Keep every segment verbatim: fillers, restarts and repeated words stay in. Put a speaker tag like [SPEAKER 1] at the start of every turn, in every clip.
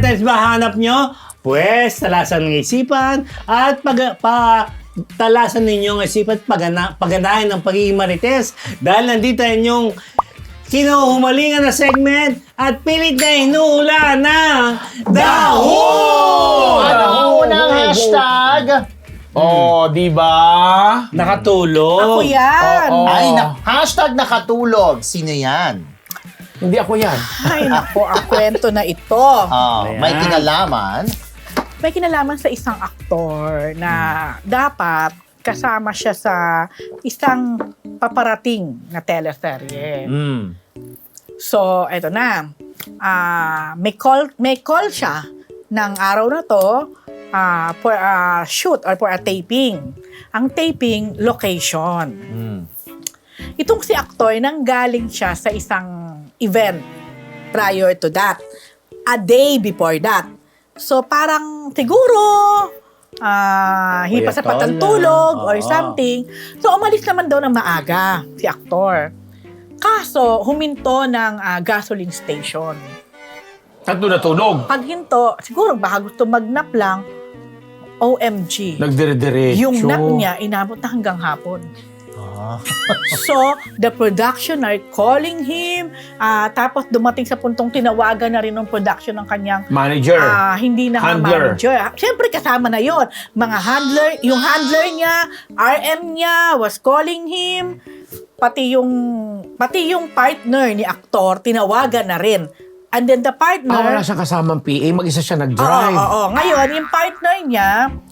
[SPEAKER 1] Marites ba hanap nyo? Pwes, talasan ng isipan at pag, pa, talasan ninyong isipan at pagana, pagganahan ng pagiging Marites. Dahil nandito ang inyong kinuhumalingan na segment at pilit na inuula ng Daho!
[SPEAKER 2] Ano unang hashtag?
[SPEAKER 3] Oh, di ba?
[SPEAKER 1] Nakatulog.
[SPEAKER 4] Ako yan.
[SPEAKER 3] Oo.
[SPEAKER 2] Ay, na, hashtag nakatulog. Sino yan?
[SPEAKER 3] Hindi ako yan.
[SPEAKER 4] Ay, nako, ang kwento na ito.
[SPEAKER 2] Ah,
[SPEAKER 1] Ayan.
[SPEAKER 2] may kinalaman.
[SPEAKER 4] May kinalaman sa isang aktor na dapat kasama siya sa isang paparating na teleserye.
[SPEAKER 1] Mm.
[SPEAKER 4] So, eto na. Ah, may call may call siya ng araw na to ah, for a shoot or for a taping. Ang taping location.
[SPEAKER 2] Hmm.
[SPEAKER 4] Itong si aktor nanggaling siya sa isang event prior to that. A day before that. So parang siguro ah hindi pa
[SPEAKER 1] Kuya
[SPEAKER 4] sapat ang
[SPEAKER 1] Tol,
[SPEAKER 4] tulog
[SPEAKER 1] ah.
[SPEAKER 4] or
[SPEAKER 1] Oo.
[SPEAKER 4] something. So umalis naman daw ng maaga si aktor. Kaso huminto ng ah, gasoline station.
[SPEAKER 3] At doon natulog.
[SPEAKER 4] Pag hinto, siguro baka gusto magnap lang, O M G.
[SPEAKER 3] Nagdire-diretso.
[SPEAKER 4] Yung nap niya, inabot na hanggang hapon.
[SPEAKER 2] Ah.
[SPEAKER 4] So, the production are calling him. ah, tapos dumating sa puntong tinawagan na rin ng production ng kanyang
[SPEAKER 3] Manager.
[SPEAKER 4] ah, hindi na nga
[SPEAKER 3] Handler.
[SPEAKER 4] manager. Siyempre kasama na yon. Mga handler, yung handler niya, R M niya was calling him. Pati yung pati yung partner ni aktor tinawagan na rin. And then the partner
[SPEAKER 3] Ah, wala siyang kasamang P A. Mag-isa siya
[SPEAKER 4] Oo,
[SPEAKER 3] nag-drive.
[SPEAKER 4] oo, oo. Ngayon, yung partner niya,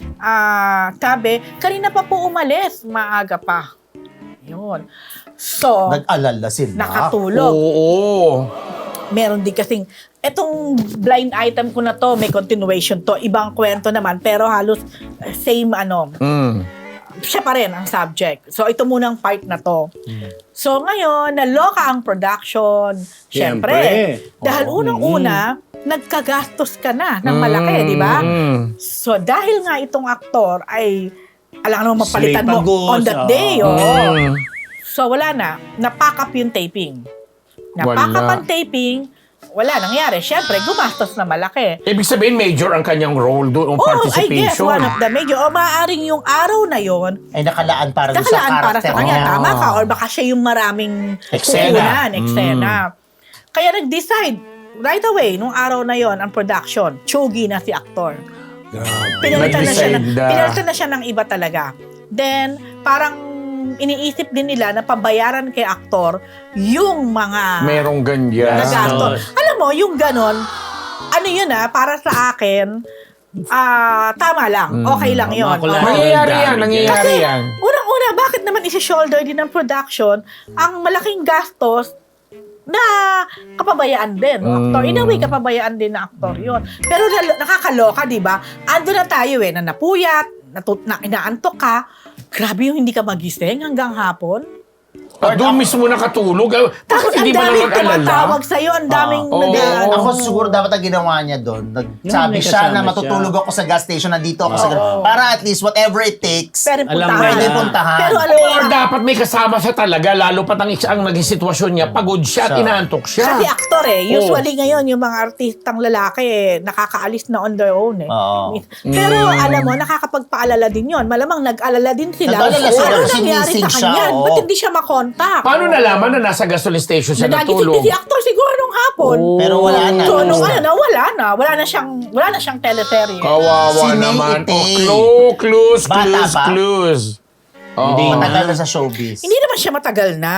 [SPEAKER 4] ah, sabi, kanina pa po umalis, maaga pa. Yun. So,
[SPEAKER 2] Nag-alala sila.
[SPEAKER 4] nakatulog.
[SPEAKER 3] Oo.
[SPEAKER 4] Meron din kasing, etong blind item ko na to, may continuation to. Ibang kwento naman, pero halos eh, same ano.
[SPEAKER 3] Mm.
[SPEAKER 4] Siya pa rin ang subject. So, ito munang part na to. So, ngayon, naloka ang production. Siyempre.
[SPEAKER 1] Siyempre.
[SPEAKER 4] Dahil
[SPEAKER 1] Oo.
[SPEAKER 4] unang-una, nagkagastos ka na ng malaki, di ba?
[SPEAKER 3] Mm.
[SPEAKER 4] So, dahil nga itong aktor ay, alam naman mapalitan mo
[SPEAKER 1] Slipagos,
[SPEAKER 4] on that
[SPEAKER 1] oo.
[SPEAKER 4] day. Oo.
[SPEAKER 3] Mm.
[SPEAKER 4] So, wala na. Napack up yung taping. Napack up
[SPEAKER 3] Wala.
[SPEAKER 4] ang taping. Wala nangyari. Siyempre, gumastos na malaki.
[SPEAKER 3] Ibig sabihin, major ang kanyang role doon, ang
[SPEAKER 4] Oh, I guess
[SPEAKER 3] participation.
[SPEAKER 4] one of the major. O maaaring yung araw na yon
[SPEAKER 2] Ay, nakalaan para doon sa
[SPEAKER 4] nakalaan para
[SPEAKER 2] karakter
[SPEAKER 4] sa kanya.
[SPEAKER 2] niya.
[SPEAKER 4] Tama ka. Or baka siya yung maraming
[SPEAKER 3] Eksena.
[SPEAKER 4] kukunan, eksena. Kaya nag-decide right away, nung araw na yon ang production, tsugi na si aktor. Pinalitan na siya ng,
[SPEAKER 3] Nag-decide na.
[SPEAKER 4] pinalitan na siya ng iba talaga. Then, parang iniisip din nila na pabayaran kay aktor yung mga
[SPEAKER 3] Merong ganyan.
[SPEAKER 4] nagastos. Alam mo, yung ganon, ano yun ah, para sa akin, ah tama lang. Okay lang yun.
[SPEAKER 1] Mga collateral
[SPEAKER 4] Oo.
[SPEAKER 3] Nangyayari yan,
[SPEAKER 1] damage.
[SPEAKER 3] nangyayari
[SPEAKER 4] Kasi,
[SPEAKER 3] yan.
[SPEAKER 4] unang-una, bakit naman isi-shoulder din ng production ang malaking gastos na kapabayaan din ng aktor. In a way, kapabayaan din ng aktor yun. Pero lalo- nakakaloka, di ba? Ando na tayo eh, na napuyat, natut na inaantok ka, grabe yung hindi ka magising hanggang hapon.
[SPEAKER 3] At doon mismo nakatulog. Ah,
[SPEAKER 4] Tapos
[SPEAKER 3] Bakit
[SPEAKER 4] ang
[SPEAKER 3] hindi mo
[SPEAKER 4] daming
[SPEAKER 3] lang mag-alala?
[SPEAKER 4] tumatawag sa'yo, ang daming
[SPEAKER 3] Oo.
[SPEAKER 4] nag-
[SPEAKER 3] Oo.
[SPEAKER 2] Ako siguro dapat ang ginawa niya doon. Nagsabi
[SPEAKER 1] may
[SPEAKER 2] siya
[SPEAKER 1] kasama
[SPEAKER 2] na matutulog
[SPEAKER 1] siya.
[SPEAKER 2] ako sa gas station, nandito ako sa
[SPEAKER 4] Oo.
[SPEAKER 2] gas. Para at least whatever it takes,
[SPEAKER 4] Pero
[SPEAKER 1] Alam
[SPEAKER 4] puntahan.
[SPEAKER 1] mo
[SPEAKER 2] pwede
[SPEAKER 1] na.
[SPEAKER 2] puntahan.
[SPEAKER 4] Pero alam mo,
[SPEAKER 3] Or dapat may kasama siya talaga, lalo pat ang, ang naging sitwasyon niya, pagod siya at
[SPEAKER 2] Siya.
[SPEAKER 3] inaantok siya.
[SPEAKER 4] kasi aktor eh,
[SPEAKER 3] Oo.
[SPEAKER 4] usually ngayon yung mga artistang lalaki eh, nakakaalis na on their own eh.
[SPEAKER 2] Oo.
[SPEAKER 4] Pero
[SPEAKER 3] Mm.
[SPEAKER 4] alam mo, nakakapagpaalala din yon. Malamang nag-alala din sila.
[SPEAKER 2] Nag-alala sila
[SPEAKER 4] Ano
[SPEAKER 2] kasi
[SPEAKER 4] nangyari
[SPEAKER 2] missing
[SPEAKER 4] sa
[SPEAKER 2] siya,
[SPEAKER 4] kanya?
[SPEAKER 2] oo.
[SPEAKER 4] Ba't hindi siya makontak?
[SPEAKER 3] Paano nalaman na nasa gasoline station siya
[SPEAKER 4] Nanagising
[SPEAKER 3] natulog?
[SPEAKER 4] din si aktor siguro nung hapon.
[SPEAKER 3] Oh.
[SPEAKER 2] Pero wala na.
[SPEAKER 4] So, nung
[SPEAKER 2] Tapos
[SPEAKER 4] ano, na, wala na. Wala na siyang, wala na siyang teleserye.
[SPEAKER 3] Kawawa
[SPEAKER 2] Si May
[SPEAKER 3] naman.
[SPEAKER 2] Itay.
[SPEAKER 3] Oh, clue, clues,
[SPEAKER 2] Bata
[SPEAKER 3] clues,
[SPEAKER 2] pa?
[SPEAKER 3] clues. Oo.
[SPEAKER 1] Hindi
[SPEAKER 2] matagal na sa showbiz.
[SPEAKER 4] Hindi naman siya matagal na.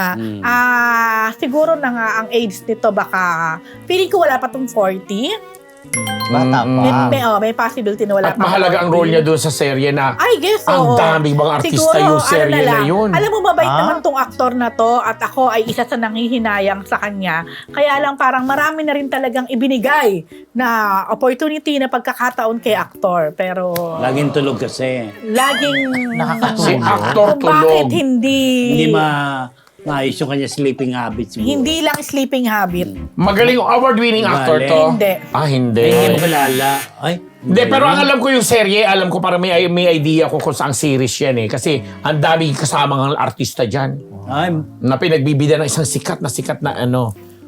[SPEAKER 4] Ah, siguro na nga ang age nito baka, feeling ko wala pa tong forty.
[SPEAKER 2] Bata pa.
[SPEAKER 4] May, may, oh, may possibility na wala
[SPEAKER 3] At
[SPEAKER 4] pa.
[SPEAKER 3] mahalaga ang role niya doon sa serye na
[SPEAKER 4] I guess,
[SPEAKER 3] ang
[SPEAKER 4] oo.
[SPEAKER 3] daming mga artista
[SPEAKER 4] Siguro,
[SPEAKER 3] yung serye
[SPEAKER 4] ano
[SPEAKER 3] na
[SPEAKER 4] lang,
[SPEAKER 3] yun.
[SPEAKER 4] Alam mo, mabait
[SPEAKER 2] Ah?
[SPEAKER 4] naman tong aktor na to at ako ay isa sa nanghihinayang sa kanya. Kaya lang parang marami na rin talagang ibinigay na opportunity na pagkakataon kay aktor. Pero
[SPEAKER 1] Laging tulog kasi.
[SPEAKER 4] laging
[SPEAKER 2] Nakakatulog.
[SPEAKER 3] Si actor
[SPEAKER 4] kung bakit
[SPEAKER 3] tulog.
[SPEAKER 4] hindi
[SPEAKER 1] Hindi ma maayos yung kanya sleeping habits. siguro.
[SPEAKER 4] hindi lang sleeping habit.
[SPEAKER 3] Magaling award-winning actor to.
[SPEAKER 4] Hindi.
[SPEAKER 3] Ah, hindi.
[SPEAKER 1] Ay, hindi mo kilala. Ay,
[SPEAKER 3] Hindi, pero ang alam ko yung serye, alam ko para may, may idea ko kung saang series yan eh. Kasi ang daming kasamang artista dyan
[SPEAKER 1] Ay,
[SPEAKER 3] na pinagbibida ng isang sikat na sikat na ano.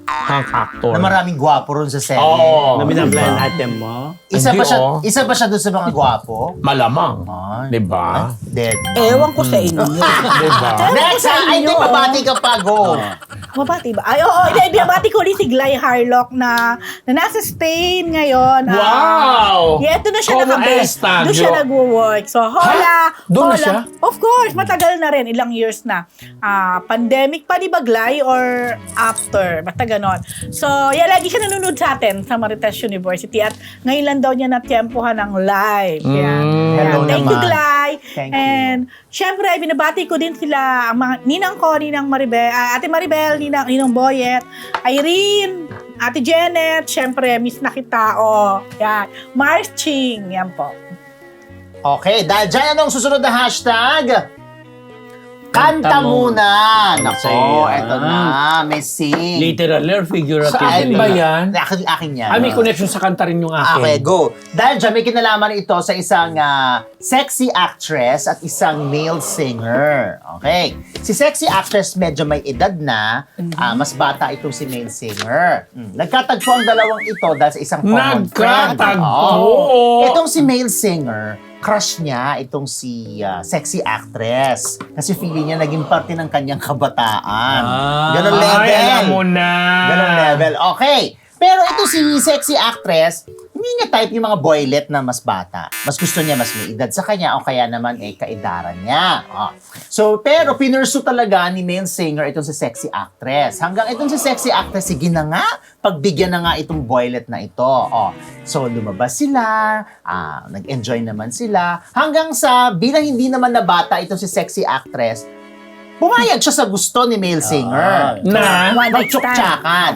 [SPEAKER 3] Hunk actor.
[SPEAKER 2] Na maraming gwapo ron sa serye.
[SPEAKER 3] Oo.
[SPEAKER 1] Na binablind item mo?
[SPEAKER 2] Isa
[SPEAKER 3] Hindi,
[SPEAKER 2] ba siya,
[SPEAKER 3] oh.
[SPEAKER 2] isa ba siya doon sa mga gwapo?
[SPEAKER 3] Malamang.
[SPEAKER 2] Ay.
[SPEAKER 3] Diba?
[SPEAKER 2] Dead.
[SPEAKER 4] Ewan ko sa inyo.
[SPEAKER 3] Diba?
[SPEAKER 4] Ewan ko
[SPEAKER 2] Next,
[SPEAKER 4] sa
[SPEAKER 2] ha? Ay,
[SPEAKER 4] inyo.
[SPEAKER 2] di, pabati ka pa, go.
[SPEAKER 4] Mabati ba? Ay, oo. Hindi, binabati ko rin si Gly Harlock na, na nasa Spain ngayon. Ah,
[SPEAKER 3] Wow!
[SPEAKER 4] yeah, ito na siya
[SPEAKER 3] Como
[SPEAKER 4] nakabase.
[SPEAKER 3] esta,
[SPEAKER 4] Doon siya
[SPEAKER 3] Gio?
[SPEAKER 4] nag-work. So, hola.
[SPEAKER 3] Doon na
[SPEAKER 4] hola.
[SPEAKER 3] siya?
[SPEAKER 4] Of course, matagal na rin. Ilang years na. Ah, pandemic pa, di ba, Gly? Or after? Basta ganon. So, yeah, lagi siya nanonood sa atin sa Marites University. At ngayon lang daw niya natyempohan ng live. Yan.
[SPEAKER 3] Mm,
[SPEAKER 4] Yan.
[SPEAKER 2] hello
[SPEAKER 4] Thank you,
[SPEAKER 2] naman.
[SPEAKER 4] Gly.
[SPEAKER 2] Thank you.
[SPEAKER 4] And, syempre, binabati ko din sila, ang mga ninang ko, ninang Maribel, ah, Ate Maribel, ninang, ninang Boyet, Irene, Ate Janet, syempre, miss na kita, oh. Yan. Mars Ching, yan po.
[SPEAKER 2] Okay, dahil dyan, anong susunod na hashtag? Kanta
[SPEAKER 1] Kanta mo.
[SPEAKER 2] muna.
[SPEAKER 1] Sa'yo
[SPEAKER 2] Nako,
[SPEAKER 1] yan.
[SPEAKER 2] eto na. May sing.
[SPEAKER 1] Literal or figurative?
[SPEAKER 3] Saan ba yan?
[SPEAKER 2] Akin, akin yan.
[SPEAKER 3] Ah, may connection sa kanta rin yung akin.
[SPEAKER 2] Okay, go. Dahil dyan, may kinalaman ito sa isang ah, sexy actress at isang male singer. Okay. Si sexy actress medyo may edad na, ah, mas bata itong si male singer. Hmm. Nagkatagpo ang dalawang ito dahil sa isang common friend.
[SPEAKER 3] Nagkatagpo?
[SPEAKER 2] Oo. Itong si male singer, crush niya itong si ah, sexy actress. Kasi feeling niya naging parte ng kanyang kabataan.
[SPEAKER 1] Ah.
[SPEAKER 2] Ganon
[SPEAKER 3] Ay,
[SPEAKER 2] level.
[SPEAKER 3] alam mo na.
[SPEAKER 2] Ganon level. Okay. Pero ito si sexy actress, hindi niya type yung mga boylet na mas bata. Mas gusto niya mas may edad sa kanya o kaya naman eh kaedaran niya. Oh. So, pero pinursu talaga ni male singer itong si sexy actress. Hanggang itong si sexy actress, sige na nga, pagbigyan na nga itong boylet na ito. Oh. So, lumabas sila, ah, nag-enjoy naman sila. Hanggang sa, bilang hindi naman na bata itong si sexy actress, pumayag siya sa gusto ni male singer.
[SPEAKER 3] Na?
[SPEAKER 4] One night stand.
[SPEAKER 2] Magtsuktsakan.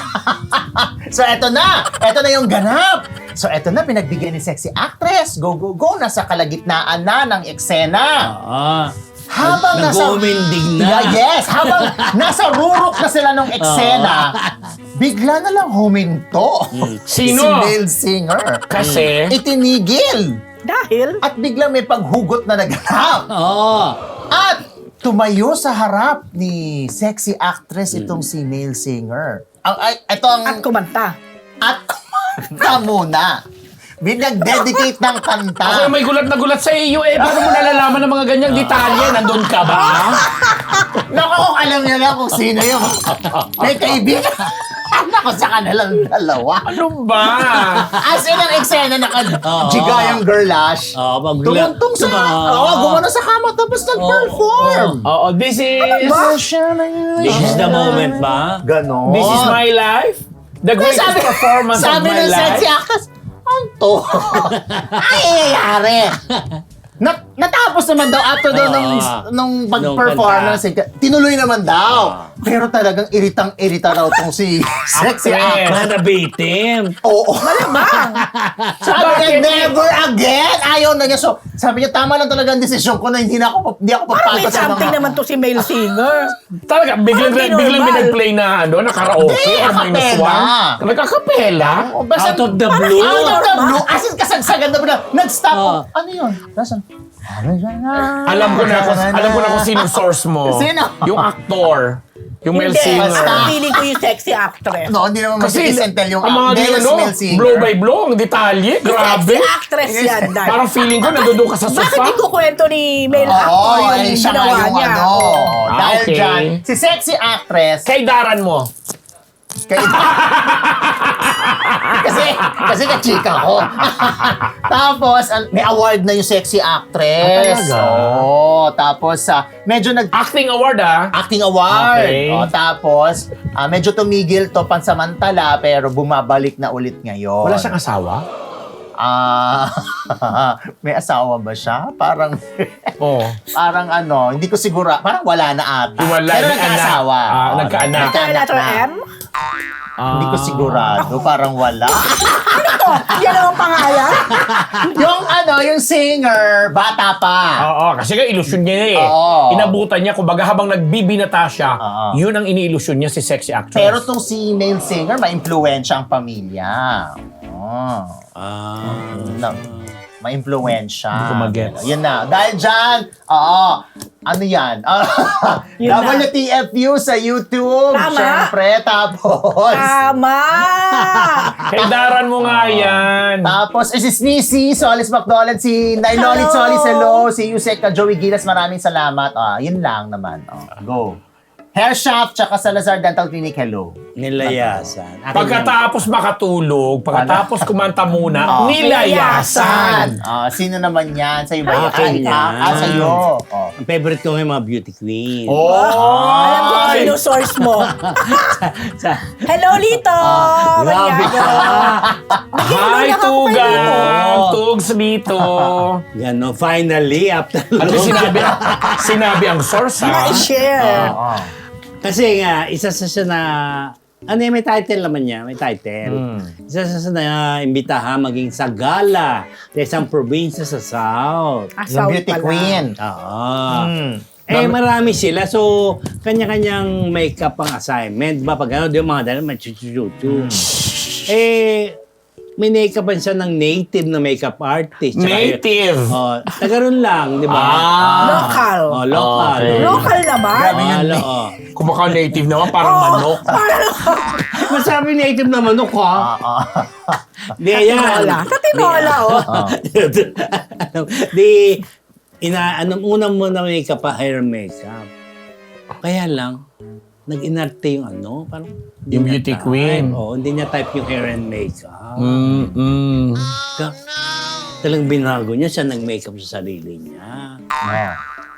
[SPEAKER 2] So, eto na. Eto na yung ganap. So, eto na, pinagbigyan ni sexy actress. Go, go, go. Nasa kalagitnaan na ng eksena.
[SPEAKER 1] Ah.
[SPEAKER 2] Habang nasa...
[SPEAKER 1] Nag-uumindig na.
[SPEAKER 2] Yeah, yes. Habang nasa rurok na sila ng eksena, bigla na lang huminto.
[SPEAKER 3] Sino?
[SPEAKER 2] Si male singer.
[SPEAKER 3] Kasi?
[SPEAKER 2] Itinigil.
[SPEAKER 4] Dahil,
[SPEAKER 2] At biglang may paghugot na naganap.
[SPEAKER 1] Oo.
[SPEAKER 2] At tumayo sa harap ni sexy actress itong si male singer. Ang ay, ito ang
[SPEAKER 4] at kumanta.
[SPEAKER 2] at kumanta muna. Binag-dedicate ng kanta.
[SPEAKER 3] Ako yung may gulat na gulat sa iyo eh. Paano mo nalalaman ng mga ganyang detalye? Nandun ka ba?
[SPEAKER 2] Naku, kung alam niya na kung sino yung may kaibigan. Naku, sa kanilang dalawa.
[SPEAKER 3] Ano ba?
[SPEAKER 2] As in, ang eksena naka-jiga yung girlash.
[SPEAKER 1] Oo, pag-
[SPEAKER 2] Tumuntong sa...
[SPEAKER 1] Tuma-
[SPEAKER 2] Oo, gumano sa kama tapos nag-perform.
[SPEAKER 3] Oo, this is...
[SPEAKER 1] This is the moment ba?
[SPEAKER 2] Ganon.
[SPEAKER 3] This is my life? The greatest
[SPEAKER 2] Sabi-
[SPEAKER 3] performance of
[SPEAKER 2] sabi
[SPEAKER 3] my
[SPEAKER 2] ng
[SPEAKER 3] life?
[SPEAKER 2] sexy actress, anto. Ay, nangyayari. Nat natapos naman daw after daw nung,
[SPEAKER 1] Ah.
[SPEAKER 2] nung
[SPEAKER 1] Nung
[SPEAKER 2] pag-performance, tinuloy naman daw. Pero talagang iritang-irita raw tong si sexy
[SPEAKER 3] Actress.
[SPEAKER 2] actress.
[SPEAKER 1] Nanabitim.
[SPEAKER 2] Oo.
[SPEAKER 4] Malamang.
[SPEAKER 2] Sabi niya,
[SPEAKER 3] Bakit?
[SPEAKER 2] never again. Ayaw na niya. So, sabi niya, tama lang talaga ang desisyon ko na hindi na ako, hindi ako
[SPEAKER 4] Parang may
[SPEAKER 2] papagod sa
[SPEAKER 4] something
[SPEAKER 2] mga...
[SPEAKER 4] naman to si male singer.
[SPEAKER 3] Talaga, biglang,
[SPEAKER 4] Parang di
[SPEAKER 3] biglang
[SPEAKER 4] normal.
[SPEAKER 3] binag-play na ano, na karaoke
[SPEAKER 2] Hindi,
[SPEAKER 3] or minus
[SPEAKER 2] acapella.
[SPEAKER 3] one. Nagkakapela?
[SPEAKER 2] Oh, basta-
[SPEAKER 1] Out of the blue.
[SPEAKER 2] Out of the blue. As in, kasagsagan na ba? Nag-stop.
[SPEAKER 1] Oh.
[SPEAKER 2] Ano yun? Nasaan?
[SPEAKER 3] Alam ko na kung, alam ko na kung sino source mo.
[SPEAKER 2] Sino?
[SPEAKER 3] Yung actor. Yung male
[SPEAKER 4] Hindi,
[SPEAKER 3] singer.
[SPEAKER 4] ang feeling ko yung sexy actress.
[SPEAKER 2] No, hindi naman
[SPEAKER 3] Kasi
[SPEAKER 2] mag-kiss and tell yung
[SPEAKER 3] ang mga
[SPEAKER 2] male
[SPEAKER 3] ano,
[SPEAKER 2] male singer.
[SPEAKER 3] blow by blow, ang detalye, grabe.
[SPEAKER 4] Sexy actress yan, Dad.
[SPEAKER 3] Parang feeling ko nandun ka sa
[SPEAKER 4] Bakit
[SPEAKER 3] sofa.
[SPEAKER 4] di ko kwento ni male
[SPEAKER 2] Oo,
[SPEAKER 4] actor yung
[SPEAKER 2] ay siya nga
[SPEAKER 4] ginawa
[SPEAKER 2] yung
[SPEAKER 4] niya?
[SPEAKER 2] ano.
[SPEAKER 3] Ah,
[SPEAKER 2] Dahil
[SPEAKER 3] okay.
[SPEAKER 2] dyan, si sexy actress,
[SPEAKER 3] Kay daran mo.
[SPEAKER 2] kay, kasi, kasi ka-chika ko. Tapos, an- may award na yung sexy actress.
[SPEAKER 1] Ah, talaga?
[SPEAKER 2] Oo, tapos, ah, medyo nag-
[SPEAKER 3] Acting award ah.
[SPEAKER 2] acting award.
[SPEAKER 3] Okay.
[SPEAKER 2] O, tapos, ah, medyo tumigil to pansamantala, pero bumabalik na ulit ngayon.
[SPEAKER 3] Wala siyang asawa?
[SPEAKER 2] Ah, may asawa ba siya? Parang,
[SPEAKER 3] Oo.
[SPEAKER 2] parang ano, hindi ko sigura, parang wala na ata.
[SPEAKER 3] Wala,
[SPEAKER 2] Pero
[SPEAKER 3] may
[SPEAKER 2] nagkaasawa.
[SPEAKER 3] anak. Ah,
[SPEAKER 2] Oo,
[SPEAKER 3] nagkaanak.
[SPEAKER 4] Kaya letter
[SPEAKER 2] na.
[SPEAKER 4] M?
[SPEAKER 2] Hindi ko sigurado, parang wala.
[SPEAKER 4] Yan ang pangalan?
[SPEAKER 2] Yung ano, yung singer, bata pa.
[SPEAKER 3] Oo, kasi nga ilusyon niya eh.
[SPEAKER 2] Oo.
[SPEAKER 3] Inabutan niya, kumbaga habang nagbibinata siya,
[SPEAKER 2] Oo.
[SPEAKER 3] yun ang iniilusyon niya si sexy actress.
[SPEAKER 2] Pero tong si male singer, ma-influensya ang pamilya. Oh.
[SPEAKER 1] Ah.
[SPEAKER 2] Na, ma-impluensya.
[SPEAKER 3] Hindi ko mag-gets.
[SPEAKER 2] Yun na. Dahil dyan, oo, ano yan?
[SPEAKER 4] Yun na.
[SPEAKER 2] W T F U sa YouTube.
[SPEAKER 4] Tama.
[SPEAKER 2] Siyempre, tapos.
[SPEAKER 4] Tama!
[SPEAKER 3] Kaidaran mo nga yan.
[SPEAKER 2] Tapos, eh, si Sneezy, Solis McDonald, si Nailolit
[SPEAKER 4] Hello.
[SPEAKER 2] Solis, hello, si Yusek, ka Joey Gilas, maraming salamat. Ah, yun lang naman. Oh, go. Hair Shop, tsaka Salazar Dental Clinic, hello.
[SPEAKER 1] Nilayasan. Akin
[SPEAKER 3] Pagkatapos makatulog, pagkatapos kumanta muna,
[SPEAKER 2] Oh.
[SPEAKER 3] nilayasan.
[SPEAKER 2] Ah, sino naman yan? Sa'yo ba yan?
[SPEAKER 1] Akin
[SPEAKER 2] Ah,
[SPEAKER 1] yan.
[SPEAKER 2] ah, sa'yo. Oh.
[SPEAKER 1] Ang favorite ko ngayon mga beauty queen.
[SPEAKER 2] Oh!
[SPEAKER 4] Alam ko kung sino source mo.
[SPEAKER 1] Sa,
[SPEAKER 4] Hello, Lito!
[SPEAKER 1] grabe
[SPEAKER 4] Manyago.
[SPEAKER 3] Hi,
[SPEAKER 4] Nag-iinulang ako kay Lito.
[SPEAKER 3] Tugang! Tugs dito.
[SPEAKER 1] gano, finally, after
[SPEAKER 3] At
[SPEAKER 1] long
[SPEAKER 3] least sinabi, sinabi ang source, ha?
[SPEAKER 4] Na-share.
[SPEAKER 2] Oh.
[SPEAKER 1] Kasi nga, isa sa siya na, ano yun, may title naman niya, may title. Isa sa siya na imbitahan maging sa gala sa isang probinsya sa South.
[SPEAKER 4] Ah,
[SPEAKER 2] Yung
[SPEAKER 4] South
[SPEAKER 2] beauty
[SPEAKER 4] pala.
[SPEAKER 2] queen.
[SPEAKER 1] Oo.
[SPEAKER 3] Hmm.
[SPEAKER 1] Eh, marami sila. So, kanya-kanyang makeup ang assignment. Ba, pag ano, di yung mga dala, may chuchuchuchu. Eh, may makeupan siya ng native na makeup artist. Tsaka yun-
[SPEAKER 3] Native.
[SPEAKER 1] Oh, taga ron lang, di ba?
[SPEAKER 3] Ah.
[SPEAKER 4] Local.
[SPEAKER 1] Oh, local.
[SPEAKER 3] Okay.
[SPEAKER 4] Local naman.
[SPEAKER 2] Grabe yun.
[SPEAKER 1] Ano, oh.
[SPEAKER 3] Kung baka native naman, parang manok.
[SPEAKER 4] Parang
[SPEAKER 1] Masabi native na manok, ha?
[SPEAKER 2] Ah, ah.
[SPEAKER 1] Di, ayan.
[SPEAKER 4] tinola. Sa tinola, oh.
[SPEAKER 1] Ano, di, ina, anong unang muna makeup pa, hair makeup. Kaya lang, nag-inarte yung ano, parang, hindi
[SPEAKER 3] Yung
[SPEAKER 1] niya
[SPEAKER 3] beauty
[SPEAKER 1] type.
[SPEAKER 3] queen.
[SPEAKER 1] Oo, hindi niya type yung hair and makeup.
[SPEAKER 3] Mm, mm.
[SPEAKER 1] Ka- Talagang binago niya, siya nag-makeup sa sarili niya.
[SPEAKER 2] Oh.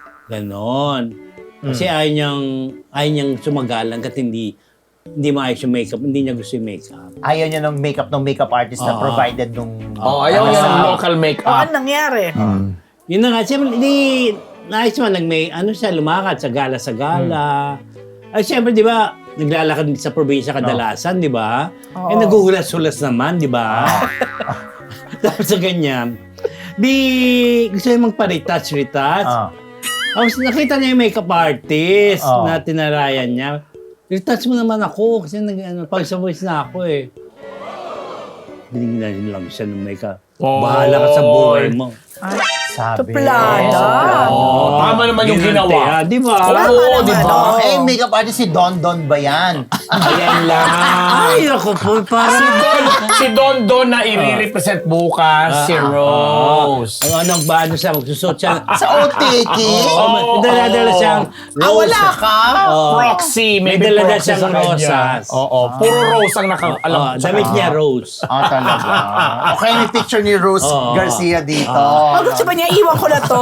[SPEAKER 1] Ganon. Kasi ayaw niyang, ayaw niyang sumagalang kat hindi, hindi maayos yung makeup, hindi niya gusto yung makeup.
[SPEAKER 2] Ayaw niya ng makeup ng makeup artist na
[SPEAKER 1] Oo.
[SPEAKER 2] provided nung...
[SPEAKER 3] Oh, ayaw
[SPEAKER 1] Ah.
[SPEAKER 3] niya ng local
[SPEAKER 4] Oh,
[SPEAKER 3] makeup.
[SPEAKER 4] ano nangyari?
[SPEAKER 1] Yun na nga, siyempre, hindi, naayos man, nag-may, ano siya, lumakad sa gala sa gala. Ay, siyempre, di ba, naglalakad sa probinsya kadalasan, di ba?
[SPEAKER 4] Oo.
[SPEAKER 1] Eh, naguhulas-hulas naman, di ba? Tapos sa ganyan, di, gusto niya magpa-retouch, retouch.
[SPEAKER 2] Ah.
[SPEAKER 1] Tapos nakita niya yung makeup artist
[SPEAKER 2] Oo.
[SPEAKER 1] na tinarayan niya. Retouch mo naman ako kasi nag, ano, pag sa voice na ako eh. Binigyan lang siya ng makeup.
[SPEAKER 3] Oh.
[SPEAKER 1] Bahala ka sa buhay mo.
[SPEAKER 4] Ay,
[SPEAKER 2] Sabi.
[SPEAKER 4] tuplada.
[SPEAKER 3] Oh, tama naman yung
[SPEAKER 1] Ginante,
[SPEAKER 3] ginawa.
[SPEAKER 1] ah, Di ba?
[SPEAKER 3] Oo,
[SPEAKER 4] Tama
[SPEAKER 3] di
[SPEAKER 4] naman,
[SPEAKER 3] ba?
[SPEAKER 4] oo.
[SPEAKER 2] Eh, makeup artist si Don Don ba yan?
[SPEAKER 3] Ayan lang.
[SPEAKER 1] Ay, ako po,
[SPEAKER 3] Si
[SPEAKER 1] parang...
[SPEAKER 3] Don, si Don Don na i-represent bukas, si Rose.
[SPEAKER 1] Ang anong ba, ano siya, magsusot siya.
[SPEAKER 2] Sa O T K?
[SPEAKER 1] Oo, dala-dala siyang
[SPEAKER 2] Ah, wala ka?
[SPEAKER 1] Oo.
[SPEAKER 3] Proxy, may,
[SPEAKER 1] May dala-dala
[SPEAKER 3] proxy
[SPEAKER 1] siyang
[SPEAKER 3] sa kanya.
[SPEAKER 1] rosas.
[SPEAKER 3] Oo, puro rose ang naka, alam
[SPEAKER 1] Oh,
[SPEAKER 3] ko.
[SPEAKER 1] damit niya, Rose.
[SPEAKER 2] Ah, talaga. Okay, may picture ni Rose
[SPEAKER 1] Oo.
[SPEAKER 2] Garcia dito.
[SPEAKER 4] Pag gusto ba niya, iwan ko na to.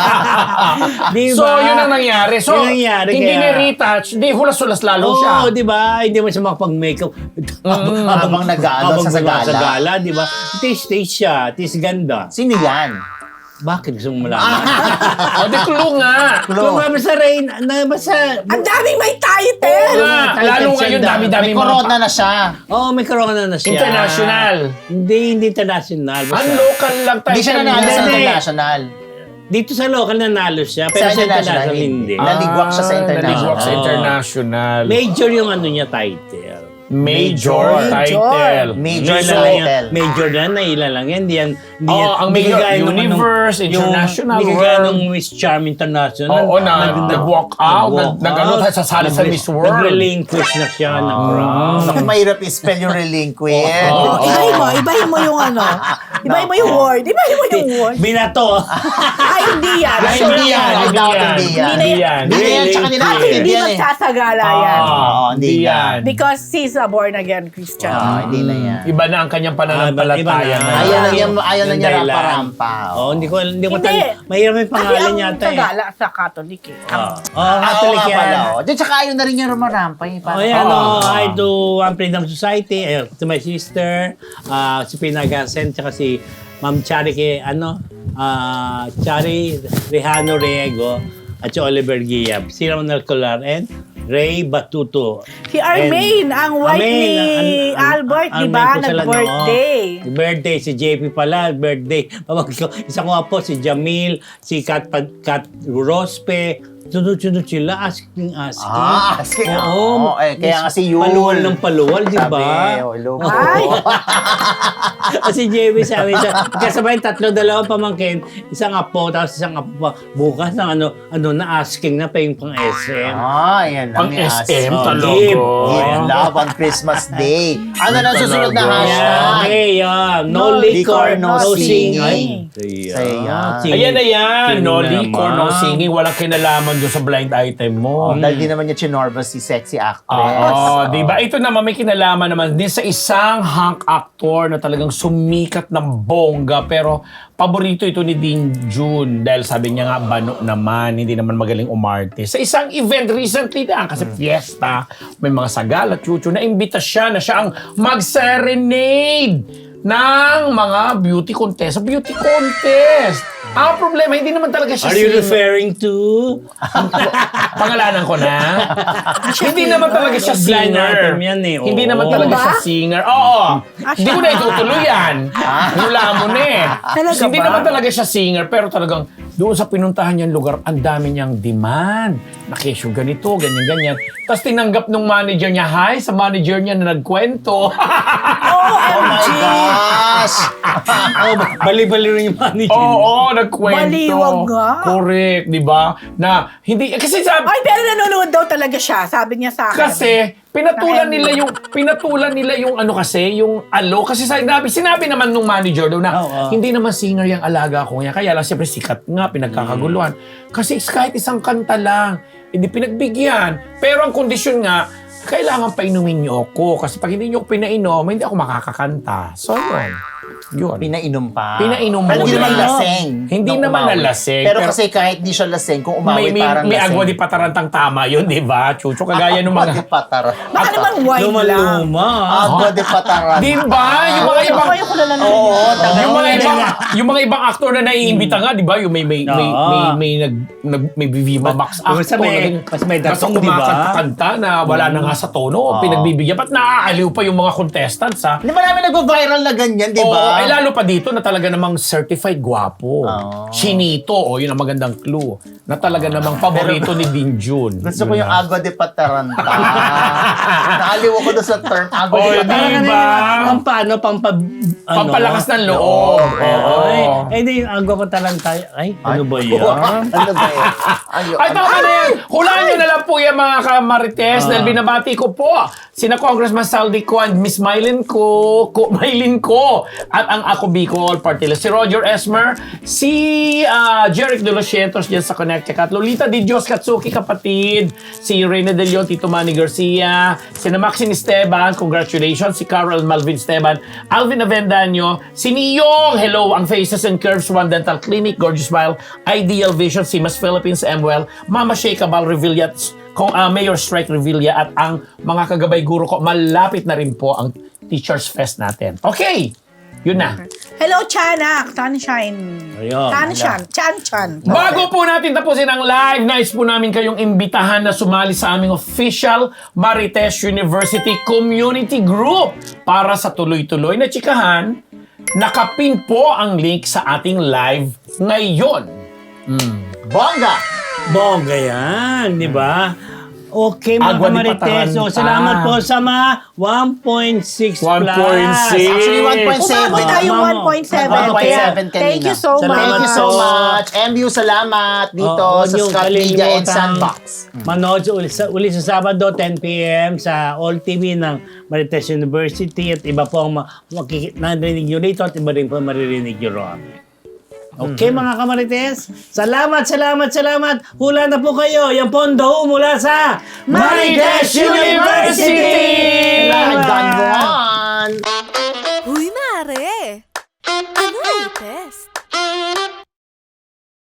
[SPEAKER 1] Di
[SPEAKER 3] So,
[SPEAKER 1] ba?
[SPEAKER 3] yun ang nangyari. So,
[SPEAKER 1] Yun ang nangyari,
[SPEAKER 3] hindi
[SPEAKER 1] kaya-
[SPEAKER 3] ni-retouch, di hulas-hulas lalo siya.
[SPEAKER 1] Oo, di ba? Hindi mo siya makapag-makeup.
[SPEAKER 2] Habang nag-ano sa
[SPEAKER 1] gumagawa
[SPEAKER 2] sagala.
[SPEAKER 1] Sa gala, di ba? Taste-taste siya. Taste ganda.
[SPEAKER 2] Sino yan?
[SPEAKER 1] Bakit gusto mo malaman?
[SPEAKER 3] O, di clue nga.
[SPEAKER 1] Kung ba sa rain, na basta...
[SPEAKER 4] Ang daming may
[SPEAKER 3] Oo
[SPEAKER 4] title.
[SPEAKER 3] nga. Lalo ngayon, dami-dami
[SPEAKER 2] May
[SPEAKER 3] mga
[SPEAKER 2] corona na siya.
[SPEAKER 1] Oo, oh, may corona na siya.
[SPEAKER 3] International.
[SPEAKER 1] Hindi, hindi international. Basta,
[SPEAKER 3] Ang local lang tayo.
[SPEAKER 2] Hindi siya nanalo sa
[SPEAKER 1] Hindi.
[SPEAKER 2] international.
[SPEAKER 1] dito sa local nanalo siya,
[SPEAKER 2] Sa
[SPEAKER 1] pero sa
[SPEAKER 2] international,
[SPEAKER 1] international
[SPEAKER 2] hindi.
[SPEAKER 1] hindi.
[SPEAKER 2] Ah. Naligwak siya sa international.
[SPEAKER 3] Naligwak sa
[SPEAKER 1] Oo.
[SPEAKER 3] international.
[SPEAKER 1] Major yung ano niya title.
[SPEAKER 3] Major,
[SPEAKER 2] Major.
[SPEAKER 3] title.
[SPEAKER 2] Major
[SPEAKER 1] Major
[SPEAKER 2] na
[SPEAKER 1] lang
[SPEAKER 2] title.
[SPEAKER 1] yan. Major na, naila lang yan. Hindi yan. Hindi
[SPEAKER 3] Oo,
[SPEAKER 1] yan-
[SPEAKER 3] ang
[SPEAKER 1] hindi
[SPEAKER 3] major,
[SPEAKER 1] kagaya nung anong-
[SPEAKER 3] Universe,
[SPEAKER 1] yung-
[SPEAKER 3] International
[SPEAKER 1] Hindi kagaya
[SPEAKER 3] World.
[SPEAKER 1] nung Miss Charm International.
[SPEAKER 3] Oo, na- nag-walk out,
[SPEAKER 1] nag-walk
[SPEAKER 3] nag- nag-ano
[SPEAKER 1] out.
[SPEAKER 3] tayo sa sala sa
[SPEAKER 1] Nag-
[SPEAKER 3] Miss World.
[SPEAKER 1] Nag-relinquish na siya ng crown.
[SPEAKER 2] Naku, mahirap i-spell yung relinquent.
[SPEAKER 3] Oo.
[SPEAKER 4] Ibahin mo, ibahin mo yung ano. Ibahin mo yung word. Ibahin mo yung word.
[SPEAKER 1] Binato.
[SPEAKER 4] Ay, hindi yan.
[SPEAKER 2] Ay, hindi yan. I doubt hindi yan.
[SPEAKER 3] Hindi yan.
[SPEAKER 2] Hindi yan, tsaka nila.
[SPEAKER 1] Hindi
[SPEAKER 4] Hindi
[SPEAKER 2] yan eh.
[SPEAKER 4] magsasagala yan.
[SPEAKER 3] Ah,
[SPEAKER 2] Oo,
[SPEAKER 3] hindi
[SPEAKER 2] hindi
[SPEAKER 3] yan.
[SPEAKER 4] Because he's a born again Christian.
[SPEAKER 2] Ah, hindi na yan.
[SPEAKER 3] Iba na ang kanyang pananampalataya.
[SPEAKER 1] Ah, iba na.
[SPEAKER 3] na.
[SPEAKER 2] Ayaw na niya, ayaw na
[SPEAKER 1] Yung
[SPEAKER 2] niya
[SPEAKER 1] dahilan.
[SPEAKER 2] rampa-rampa.
[SPEAKER 1] Oh, hindi ko hindi ko
[SPEAKER 4] Hindi.
[SPEAKER 1] tal- mahirap yung
[SPEAKER 4] Kasi
[SPEAKER 1] pangalan
[SPEAKER 4] ang
[SPEAKER 1] yata eh.
[SPEAKER 4] sagala sa Catholic eh. Ang-
[SPEAKER 1] Oh, oh
[SPEAKER 2] Ah, oo
[SPEAKER 1] Catholic
[SPEAKER 2] nga
[SPEAKER 1] yan.
[SPEAKER 2] pala. oh. Di, tsaka ayaw na rin niya rumarampa. Eh.
[SPEAKER 1] Oh,
[SPEAKER 2] Parang-
[SPEAKER 1] yan,
[SPEAKER 3] Ah.
[SPEAKER 1] oh, hi to One Freedom Society, eh, to my sister, uh, si Pinagasen, tsaka si Ma'am Chari, kay, ano, ah, Chari Rehano Riego, at si Oliver Giab, si Ramon Alcolar, and Ray Batuto.
[SPEAKER 4] Si Armaine, ang wife
[SPEAKER 1] Armaine,
[SPEAKER 4] ni
[SPEAKER 1] an- an-
[SPEAKER 4] Albert, di
[SPEAKER 1] Armaine
[SPEAKER 4] ba?
[SPEAKER 1] po sila,
[SPEAKER 4] Nag-birthday.
[SPEAKER 1] no? Birthday, si J P pala, birthday. Pamangkin ko, isa ko nga po, si Jamil, si Kat, Kat Rospe, sunod-sunod sila, asking, asking.
[SPEAKER 2] Ah, asking.
[SPEAKER 1] Oo.
[SPEAKER 2] Oo, eh, kaya nga si Yul.
[SPEAKER 1] Paluwal ng paluwal, di ba?
[SPEAKER 2] Sabi, oh, hello po.
[SPEAKER 4] Ay!
[SPEAKER 1] Kasi J B sabi siya, kasabay tatlo, dalawang pamangkin, isang apo, tapos isang apo pa. Bukas na ano, ano na asking na pa yung pang S M.
[SPEAKER 2] Ah, yan lang
[SPEAKER 3] Pang
[SPEAKER 2] ni
[SPEAKER 3] S M
[SPEAKER 2] As.
[SPEAKER 3] talaga.
[SPEAKER 1] Give.
[SPEAKER 2] Give love on Christmas Day. Ano na susunod na
[SPEAKER 3] Talaga.
[SPEAKER 1] Yeah,
[SPEAKER 2] hashtag?
[SPEAKER 1] okay, yeah. No,
[SPEAKER 4] No
[SPEAKER 1] liquor,
[SPEAKER 2] liquor,
[SPEAKER 1] no,
[SPEAKER 2] no
[SPEAKER 1] singing.
[SPEAKER 2] singing.
[SPEAKER 1] Saya.
[SPEAKER 2] Saya.
[SPEAKER 3] Ayan na yan. No liquor, no
[SPEAKER 1] naman.
[SPEAKER 3] singing. Walang kinalaman doon sa blind item mo.
[SPEAKER 2] Oh, dahil di naman niya chinorba si sexy actress.
[SPEAKER 3] Oo,
[SPEAKER 2] Oh.
[SPEAKER 3] di ba? Ito naman may kinalaman naman din sa isang hunk actor na talagang sumikat ng bongga pero paborito ito ni Dean June dahil sabi niya nga bano naman, hindi naman magaling umarte. Sa isang event recently na kasi fiesta, may mga sagal at chuchu na imbita siya na siya ang mag-serenade ng mga beauty contest. Sa beauty contest! Ang problema, hindi naman talaga siya
[SPEAKER 1] Are you
[SPEAKER 3] singer.
[SPEAKER 1] referring to?
[SPEAKER 3] Pangalanan ko na. Hindi naman talaga siya
[SPEAKER 1] Blind
[SPEAKER 3] singer.
[SPEAKER 1] item yan eh, oo.
[SPEAKER 3] Hindi naman talaga
[SPEAKER 4] Ba?
[SPEAKER 3] siya singer. Oo. Hindi ko na itutuloy yan. Hula mo na eh.
[SPEAKER 4] Talaga
[SPEAKER 3] Hindi
[SPEAKER 4] ba?
[SPEAKER 3] naman talaga siya singer, pero talagang doon sa pinuntahan niyang lugar, ang dami niyang demand. Nakesyo ganito, ganyan-ganyan. Tapos tinanggap nung manager niya, hi, sa manager niya na nagkwento.
[SPEAKER 2] Oh my gosh!
[SPEAKER 1] Oh, bali-bali rin yung manager.
[SPEAKER 3] Oo, oh, nagkwento.
[SPEAKER 4] Baliwag nga.
[SPEAKER 3] Correct, di ba? Na, hindi, kasi sabi,
[SPEAKER 4] Ay, pero nanonood daw talaga siya. Sabi niya sa akin.
[SPEAKER 3] Kasi pinatulan nila yung pinatulan nila yung ano kasi, yung alo kasi sinabi sinabi naman nung manager daw na
[SPEAKER 1] Oo.
[SPEAKER 3] hindi naman singer yung alaga ko niya. Kaya lang siyempre sikat nga pinagkakaguluhan. Kasi kahit isang kanta lang, hindi pinagbigyan. Pero ang kondisyon nga, kailangan painumin niyo ako kasi pag hindi niyo ako pinainom, hindi ako makakakanta. So, yun. Yun.
[SPEAKER 2] Pinainom pa.
[SPEAKER 3] Pinainom
[SPEAKER 2] Pero
[SPEAKER 3] mo
[SPEAKER 2] hindi
[SPEAKER 3] na.
[SPEAKER 2] naman laseng.
[SPEAKER 3] Hindi
[SPEAKER 2] nung
[SPEAKER 3] naman
[SPEAKER 2] umawi.
[SPEAKER 3] na laseng,
[SPEAKER 2] Pero,
[SPEAKER 3] pero-
[SPEAKER 2] kasi kahit di siya laseng, kung umawi
[SPEAKER 3] May, may,
[SPEAKER 2] parang
[SPEAKER 3] may
[SPEAKER 2] laseng.
[SPEAKER 3] agwa di patarantang tama yun, di ba? Chucho, kagaya ng
[SPEAKER 2] Agwa di
[SPEAKER 3] mga...
[SPEAKER 2] patara.
[SPEAKER 4] Baka naman wine lang.
[SPEAKER 1] Luma-luma.
[SPEAKER 2] Agwa di patara.
[SPEAKER 3] Di ba? Yung mga
[SPEAKER 4] Ay,
[SPEAKER 3] ibang...
[SPEAKER 4] ako yung kulala na
[SPEAKER 2] Oo, taga-
[SPEAKER 3] yung mga
[SPEAKER 1] Oo,
[SPEAKER 3] ibang
[SPEAKER 1] nga.
[SPEAKER 3] yung mga ibang aktor na naiimbita nga, 'di ba? Yung may may may
[SPEAKER 1] Oo.
[SPEAKER 3] may, may nag, nag may Viva Max
[SPEAKER 1] Mas
[SPEAKER 3] actor
[SPEAKER 1] may-
[SPEAKER 3] na ganyan.
[SPEAKER 1] mas may datong,
[SPEAKER 3] Basta
[SPEAKER 1] di ba?
[SPEAKER 3] kumakanta na wala na nga sa tono,
[SPEAKER 2] Oo.
[SPEAKER 3] pinagbibigyan. Ba't naaaliw pa yung mga contestants, ha?
[SPEAKER 2] Di ba namin nag-viral na ganyan, di
[SPEAKER 3] Oo,
[SPEAKER 2] ba?
[SPEAKER 3] ay lalo pa dito na talaga namang certified gwapo.
[SPEAKER 2] Oo.
[SPEAKER 3] Chinito, o yun ang magandang clue. Na talaga namang paborito ni Dean June.
[SPEAKER 2] Gusto ko
[SPEAKER 3] Yun
[SPEAKER 2] yung
[SPEAKER 3] na.
[SPEAKER 2] agwa de pataranta. Naaliw ako doon sa term agwa
[SPEAKER 3] Oh,
[SPEAKER 2] de
[SPEAKER 3] di
[SPEAKER 2] pataranta.
[SPEAKER 3] ba?
[SPEAKER 1] Pang paano, pang pa, ano?
[SPEAKER 3] Pampalakas ng loob.
[SPEAKER 1] Oo.
[SPEAKER 3] Oo.
[SPEAKER 1] Ay, eh, di, agwa ko talanta. Ay, ano ba yan?
[SPEAKER 2] Ano ba yan? Ayo,
[SPEAKER 3] Ay, tama na yan. Hulaan nyo na lang po yan, mga kamarites, dahil binabati ko po sina Congressman Saldi ko and Miss Mylene ko, ko Mylene ko, at ang Ako Bicol Party List. Si Roger Esmer, si uh, Jeric De Los Cientos dyan sa Connecticut, Lolita Di Dios Katsuki kapatid, si Reyna De Leon, Tito Manny Garcia, si na Maxine Esteban, congratulations, si Carol Malvin Esteban, Alvin Avendaño, si Niyong, hello, ang Faces and Curves One Dental Clinic, Gorgeous Smile, Ideal Vision, si Mas Philippines, Emwell, Mama Shea Cabal Revilla, kung uh, Mayor Strike Revilla at ang mga kagabay guro ko, malapit na rin po ang Teachers Fest natin. Okay, yun na.
[SPEAKER 4] Hello, Chanak. Sunshine.
[SPEAKER 1] Ayun.
[SPEAKER 4] Sunshine. Chan-chan.
[SPEAKER 3] Bago po natin tapusin ang live, nais po namin kayong imbitahan na sumali sa aming official Marites University Community Group para sa tuloy-tuloy na tsikahan. Nakapin po ang link sa ating live ngayon.
[SPEAKER 2] Bongga!
[SPEAKER 1] Bongga yan, di ba? Okay, mga
[SPEAKER 3] Agwa ni
[SPEAKER 1] kamarites.
[SPEAKER 3] Pataranta.
[SPEAKER 1] So, salamat po sa mga one point six
[SPEAKER 3] one point
[SPEAKER 1] plus.
[SPEAKER 3] six.
[SPEAKER 2] Actually, one point seven.
[SPEAKER 4] Umabot tayo
[SPEAKER 1] Mama.
[SPEAKER 4] one point seven.
[SPEAKER 2] one point seven
[SPEAKER 4] Kaya, Thank you so
[SPEAKER 1] Salamat
[SPEAKER 4] much.
[SPEAKER 2] Thank you so
[SPEAKER 1] po.
[SPEAKER 2] much. M U, salamat dito
[SPEAKER 1] Oo,
[SPEAKER 2] sa
[SPEAKER 1] yung
[SPEAKER 2] Scott Media and
[SPEAKER 1] kalimutan,
[SPEAKER 2] Sandbox.
[SPEAKER 1] Manood sa uli, sa, uli sa Sabado, ten p.m. sa All T V ng Marites University at iba po ang ma- makikita narinig nyo rito at iba rin po maririnig nyo ron. Okay, mga kamarites? Salamat, salamat, salamat. Hula na po kayo. Yan po ang daho mula sa
[SPEAKER 3] Marites University!
[SPEAKER 2] I've done
[SPEAKER 1] Salamat!
[SPEAKER 2] one.
[SPEAKER 5] Uy, mare! Ano latest?